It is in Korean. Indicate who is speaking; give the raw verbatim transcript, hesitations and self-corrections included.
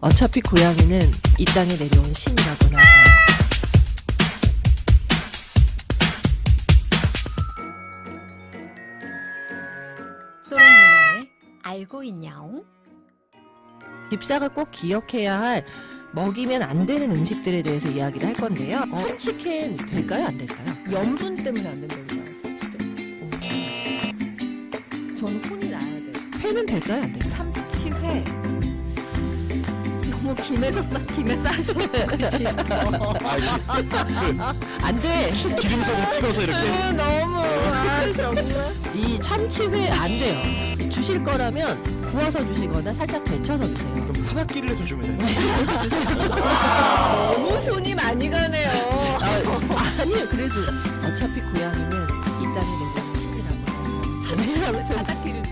Speaker 1: 어차피 고양이는 이 땅에 내려온 신이라고나 하죠.
Speaker 2: 소롱 누나의 알고 있냐옹?
Speaker 1: 집사가 꼭 기억해야 할 먹이면 안 되는 음식들에 대해서 이야기를 할 건데요. 어, 참치캔 될까요? 안 될까요?
Speaker 2: 염분 때문에 안 된다고 봐요. 저는 혼이 나야 돼요.
Speaker 1: 회는 될까요? 안 될까요?
Speaker 2: 참치회. 너무 김에서 싸, 김에 싸셔서
Speaker 1: 안 돼.
Speaker 3: 기름석으로 찍어서 이렇게.
Speaker 1: 너무 아, 정말. 이 참치회 안 돼요. 주실 거라면 구워서 주시거나 살짝 데쳐서 주세요.
Speaker 3: 그럼 한 바퀴를 해서 주면 돼요.
Speaker 1: 주세요.
Speaker 2: 너무 손이 많이 가네요.
Speaker 1: 아, 아니요. 그래도 어차피 고양이는 이 땅에 내려온 신이라고 해요.
Speaker 2: 바닥기를